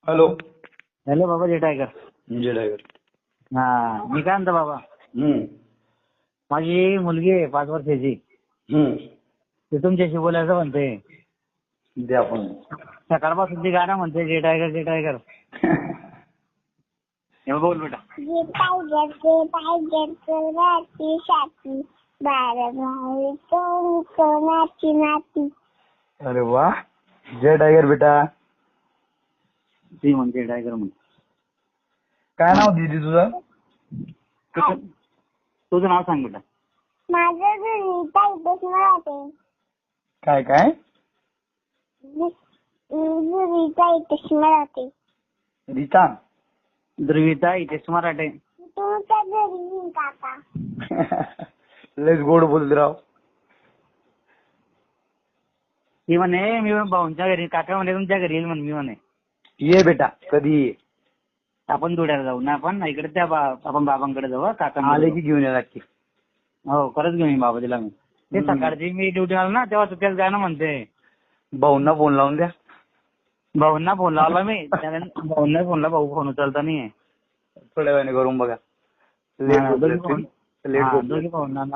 Hello. Hello बाबा जे tiger. जय tiger. हा मी काय म्हणतो बाबा, माझी मुलगी आहे 5 वर्षाची. ते तुमच्याशी बोलायचं म्हणते. द्या पण. सकाळपासून ती गाणं म्हणते जे टायगर जे टायगर. हे बोल बेटा. जे टायगर कोणाची छाती बार बार कोणाची नाती. अरे वा. जय टायगर बेटा. ती म्हणते टायगर म्हणते. काय नाव दीदी तुझं? तुझं नाव सांग बेटा. माझं रीता इथेच मराठे. काय काय? रीता इथेच मराठे. रीता. ध्रुविता इथेच मराठे. तुमच्या घरी येईन काका. लयच गोड बोलत राव. ती म्हणे मी भाऊंच्या घरी, काका म्हणे तुमच्या घरी येईल म्हणे. मी म्हणे ये बेटा कधी ये. आपण धुळ्याला जाऊ ना, आपण इकडे त्या आपण बाबांकडे जाऊ. काका आले की घेऊन या नक्की. हो खरंच घेऊन बाबा तिला मी. ते सकाळची मी ड्युटी आलो ना तेव्हा त्याच गाणं म्हणते. भाऊंना फोन लावून द्या. भाऊंना फोन लावला मी. भाऊंना फोन लावला, भाऊ फोन उचलता नाहीये. थोड्या वेळाने करून बघा. दोघी भाऊंना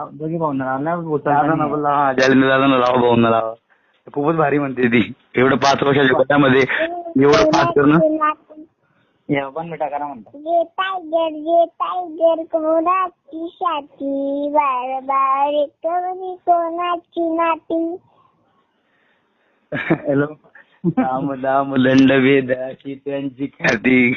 लावा भाऊंना लावा. खूपच भारी म्हणते ती. एवढं 5 वर्षाच्या वयामध्ये एवढं फास्ट करणं. पण बेटा करा म्हणतो. जे टायगर कोणाची छाती बार बार कोणाची नाती. हॅलो. दाम दाम दंड वेदाची त्यांची ख्याती.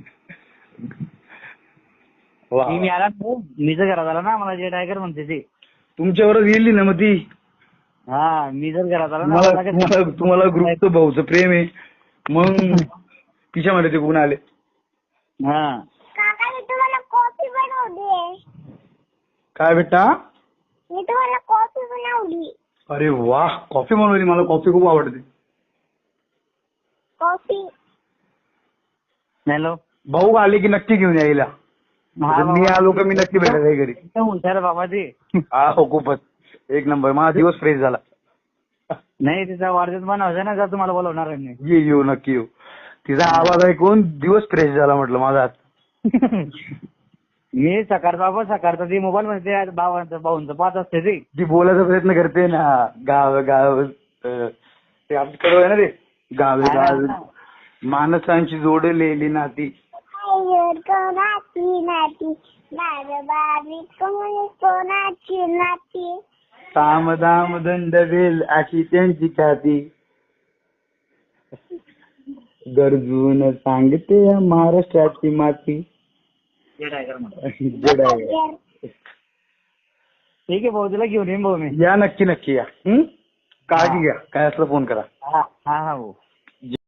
मी आला मी जर घरात आला ना, मला जे टायगर म्हणते ती. तुमच्यावरच गेली ना मग ती. हा मी जर घरात आला ना, तुम्हाला ग्रुपचं भाऊचं प्रेम आहे मग तिच्यामध्ये ते गुण आले. हा काका मी तुम्हाला कॉफी बनवली. काय बेटा? मी तुम्हाला कॉफी बनवली. अरे वा. कॉफी बनवली. मला कॉफी खूप आवडते. कॉफी. हॅलो. भाऊ आले की नक्की घेऊन यायला. मी आलो का मी नक्की भेटत आहे घरी. हुशार बाबा ती. हा हो खूपच एक नंबर. माझा दिवस फ्रेश झाला. नाही तिचा वाढदिवस बनवायचा ना, का तुम्हाला बोलवणार आहे मी. येऊ नक्की येऊ. तिचा आवाज ऐकून दिवस फ्रेश झाला म्हटलं माझा. मी सकाळचा ती मोबाईल मध्ये भाऊंचं पाहत असते ती. जी बोलायचा प्रयत्न करते ना. गाव गाव ते आमच्याकडे आहे ना ते. गावे गाव माणसांची जोडलेली नाती. टायगर कोणाची नाती बार बार कोणाची नाती. साम दाम दंड वेल अशी त्यांची ख्याती. गरजून सांगते महाराष्ट्राची माती. जय टायगर म्हणतो. जय टायगर. ठीक आहे भाऊ, तिला घेऊन येईन भाऊ मी. या नक्की नक्की या. काळजी घ्या. काय असलं फोन करा. हा हा भाऊ.